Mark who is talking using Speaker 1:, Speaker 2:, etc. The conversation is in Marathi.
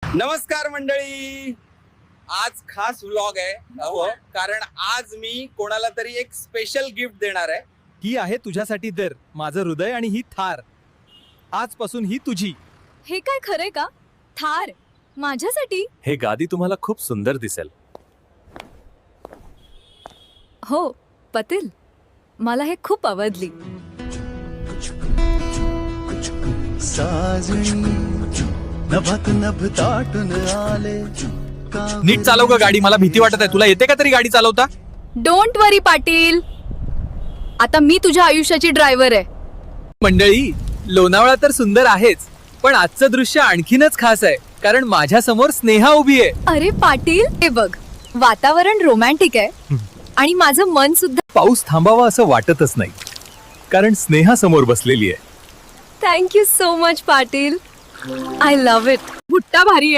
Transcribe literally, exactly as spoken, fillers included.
Speaker 1: नमस्कार मंडळी, आज खास व्लॉग आहे अहो, कारण आज मी कोणाला तरी एक स्पेशल गिफ्ट देणार आहे.
Speaker 2: ही आहे तुझ्यासाठी तर माझं हृदय आणि ही थार आजपासून ही तुझी.
Speaker 3: हे काय खरंय का? थार माझ्यासाठी?
Speaker 4: हे गादी तुम्हाला खूप सुंदर दिसेल.
Speaker 3: हो पतील, मला हे खूप आवडली.
Speaker 5: नभात नभ ताटून आले.
Speaker 2: नीट चालव ग गाडी, मला भीती वाटत आहे. तुला येते का तरी गाडी चालवता?
Speaker 3: डोंट वरी पाटील, आता मी तुझ्या आयुष्याची ड्रायव्हर आहे.
Speaker 2: मंडळी, लोणावळा तर सुंदर आहेच, पण आजचं दृश्य आणखीनच खास आहे कारण माझ्या समोर स्नेहा उभी आहे.
Speaker 3: अरे पाटील, हे बघ, वातावरण रोमॅन्टिक आहे आणि माझं मन सुद्धा.
Speaker 4: पाऊस थांबावा असं वाटतच नाही कारण स्नेहा समोर बसलेली आहे.
Speaker 3: Thank you so much Patil, I love it. भुट्टा भारी आहे.